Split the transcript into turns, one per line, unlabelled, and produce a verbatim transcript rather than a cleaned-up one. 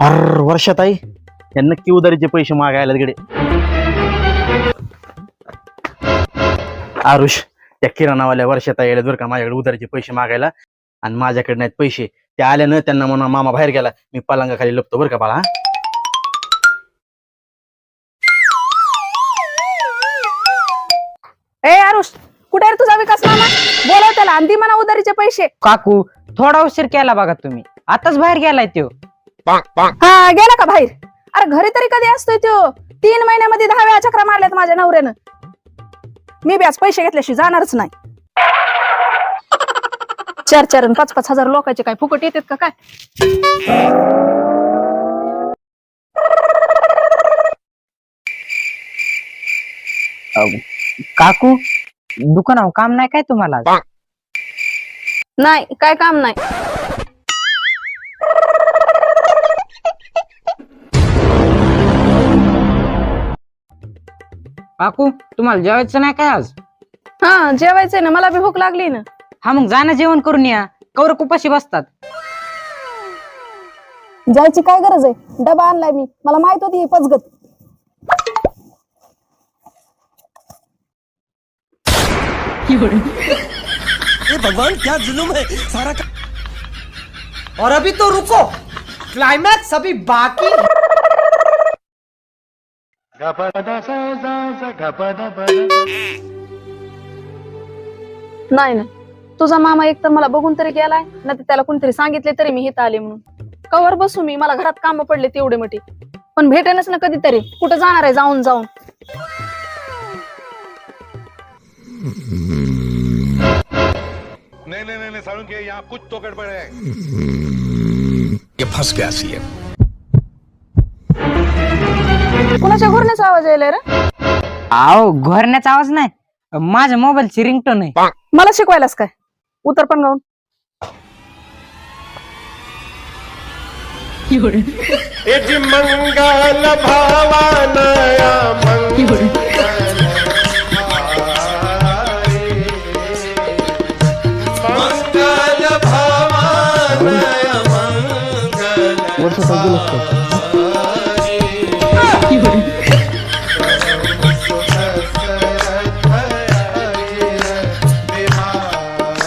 अर वर्षाताई या नक्की उधारीचे पैसे मागायला तिकडे. आरुष त्या किराणावाल्या वर्षाताई यायला बरं का माझ्याकडे उधारीचे पैसे मागायला, आणि माझ्याकडे नाहीत पैसे. त्या आल्यानं त्यांना म्हणून मामा बाहेर गेला, मी पलंगाखाली लपतो बरं का बाळा.
ए आरुष, कुठे रे तुझा विकास मामा? बोलव त्याला आणि दे म्हणा उधारीचे पैसे.
काकू थोडा उशीर केला बघा तुम्ही, आताच बाहेर गेलाय त्यो.
हा गेला का बाहेर? अरे घरी तरी कधी असतोय त्यो? तीन महिन्यामध्ये दहा वेळा चक्रा मारल्यात माझ्या नवऱ्यानं. मी बी आज पैसे घेतल्याशी जाणारच नाही. चार चार आणि पाच पाच हजार लोकांचे काय फुकट येतात का काय?
काकू दुकानावर काम नाही काय तुम्हाला?
नाही काय काम नाही.
काकू तुम्हाला जेवायचं नाही काय आज?
हा जेवायचंय ना, मला बी भूक लागली ना.
हा मग जाणं जेवण करून या, कवर कुपाशी बसतात.
जायची काय गरज आहे? डबा आणलाय मी, मला माहित होती ही पचगत.
ये भगवान क्या जुलुम है सारा का...
और अभी तो रुको, क्लाइमैक्स अभी बाकी है.
नाही ना, तुझा मामा एक तर मला बघून तरी गेलाय, ना ते त्याला कोणतरी सांगितले तरी मी इथं आले म्हणून. कवर बसू मी, मला घरात काम पडले तेवढे मोठे, पण भेटेनच ना कधीतरी. कुठं जाणार आहे जाऊन जाऊन?
नहीं नहीं नहीं सारुण के यहाँ कुछ तो गड़बड़ है.
ये फंस गया सी है.
कुणाच्या घोरण्याचा आवाज यायलाय रे?
आओ घोरण्याचा आवाज नाही, माझ्या मोबाईलची रिंगटोन आहे.
मला शिकवायलास काय? उतर पण गाऊन.
यजि मंगल भावनया मंगल मंगल भावनया मंगल